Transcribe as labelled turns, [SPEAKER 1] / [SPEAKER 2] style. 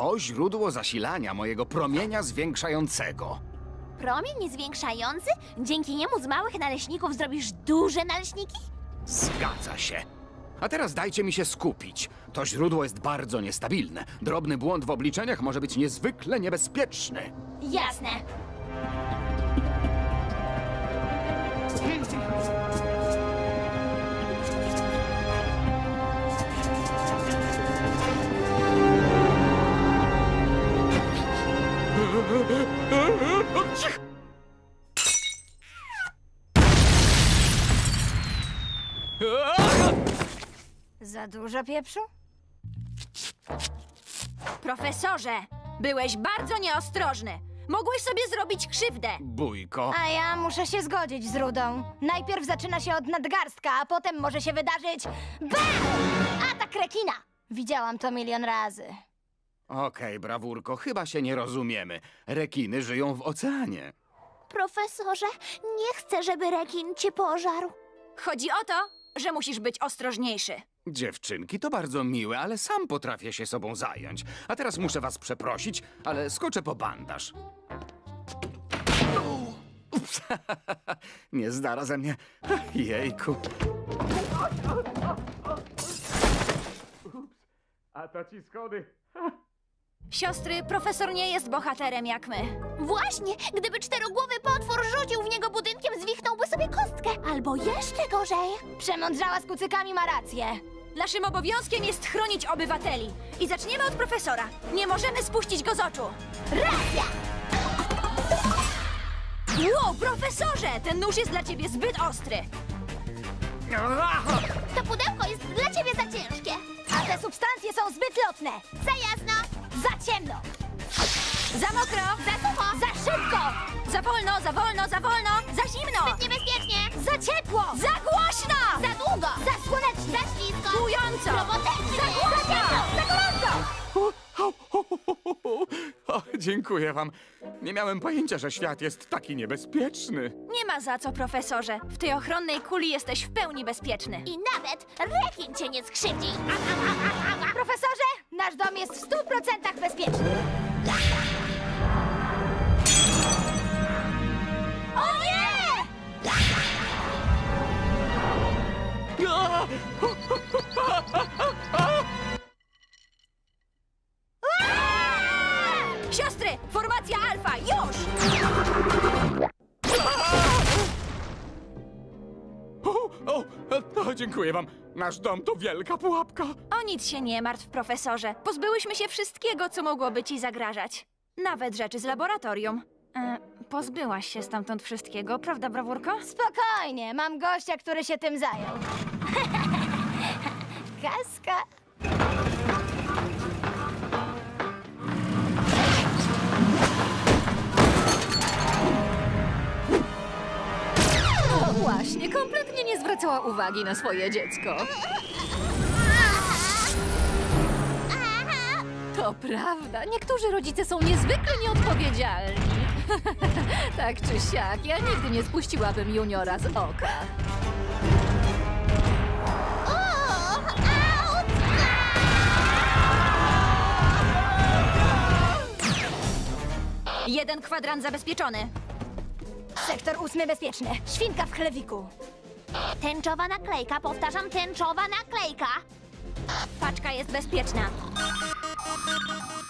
[SPEAKER 1] To źródło zasilania mojego promienia zwiększającego.
[SPEAKER 2] Promień zwiększający? Dzięki niemu z małych naleśników zrobisz duże naleśniki?
[SPEAKER 1] Zgadza się. A teraz dajcie mi się skupić. To źródło jest bardzo niestabilne. Drobny błąd w obliczeniach może być niezwykle niebezpieczny.
[SPEAKER 2] Jasne.
[SPEAKER 3] Za dużo pieprzu?
[SPEAKER 4] Profesorze, byłeś bardzo nieostrożny. Mogłeś sobie zrobić krzywdę.
[SPEAKER 1] Bójko.
[SPEAKER 3] A ja muszę się zgodzić z Rudą. Najpierw zaczyna się od nadgarstka, a potem może się wydarzyć... BAM! Atak rekina! Widziałam to milion razy.
[SPEAKER 1] Okej, brawurko, chyba się nie rozumiemy. Rekiny żyją w oceanie.
[SPEAKER 2] Profesorze, nie chcę, żeby rekin cię pożarł.
[SPEAKER 4] Chodzi o to, że musisz być ostrożniejszy.
[SPEAKER 1] Dziewczynki, to bardzo miłe, ale sam potrafię się sobą zająć. A teraz muszę was przeprosić, ale skoczę po bandaż. Ups, nie zdara ze mnie. Jejku. A to ci schody.
[SPEAKER 4] Siostry, profesor nie jest bohaterem jak my.
[SPEAKER 2] Właśnie, gdyby czterogłowy potwór rzucił w niego budynkiem, zwichnąłby sobie kostkę. Albo jeszcze gorzej.
[SPEAKER 3] Przemądrzała z kucykami ma rację.
[SPEAKER 4] Naszym obowiązkiem jest chronić obywateli. I zaczniemy od profesora. Nie możemy spuścić go z oczu.
[SPEAKER 2] Racja!
[SPEAKER 4] Wow, profesorze! Ten nóż jest dla ciebie zbyt ostry.
[SPEAKER 2] To pudełko jest dla ciebie za ciężkie.
[SPEAKER 3] A te substancje są zbyt lotne.
[SPEAKER 2] Za jasno,
[SPEAKER 3] Za ciemno.
[SPEAKER 4] Za mokro!
[SPEAKER 2] za sucho,
[SPEAKER 3] Za szybko.
[SPEAKER 4] Za wolno, za wolno, za wolno! Za zimno!
[SPEAKER 2] niebezpiecznie,
[SPEAKER 3] Za ciepło.
[SPEAKER 4] Za głośno!
[SPEAKER 2] za długo,
[SPEAKER 3] Za słonecznie.
[SPEAKER 2] za ślisko,
[SPEAKER 4] Bująco!
[SPEAKER 2] robotecznie,
[SPEAKER 4] Za głośno!
[SPEAKER 3] Za gorąco.
[SPEAKER 1] O, dziękuję wam. Nie miałem pojęcia, że świat jest taki niebezpieczny.
[SPEAKER 4] Nie ma za co, profesorze. W tej ochronnej kuli jesteś w pełni bezpieczny.
[SPEAKER 2] I nawet rekin cię nie skrzywdzi.
[SPEAKER 3] Profesorze, nasz dom jest w 100% bezpieczny.
[SPEAKER 2] O nie!
[SPEAKER 4] Siostry, formacja alfa, już!
[SPEAKER 1] Dziękuję wam. Nasz dom to wielka pułapka.
[SPEAKER 4] O nic się nie martw, profesorze. Pozbyłyśmy się wszystkiego, co mogłoby ci zagrażać. Nawet rzeczy z laboratorium. Pozbyłaś się stamtąd wszystkiego, prawda, brawurko?
[SPEAKER 3] Spokojnie, mam gościa, który się tym zajął. Kaska.
[SPEAKER 5] No właśnie, kompletnie nie zwracała uwagi na swoje dziecko. To prawda, niektórzy rodzice są niezwykle nieodpowiedzialni. Tak czy siak, ja nigdy nie spuściłabym juniora z oka.
[SPEAKER 4] Jeden kwadrant zabezpieczony.
[SPEAKER 3] Sektor 8 bezpieczny. Świnka w chlewiku.
[SPEAKER 2] Tęczowa naklejka, powtarzam, tęczowa naklejka.
[SPEAKER 4] Paczka jest bezpieczna.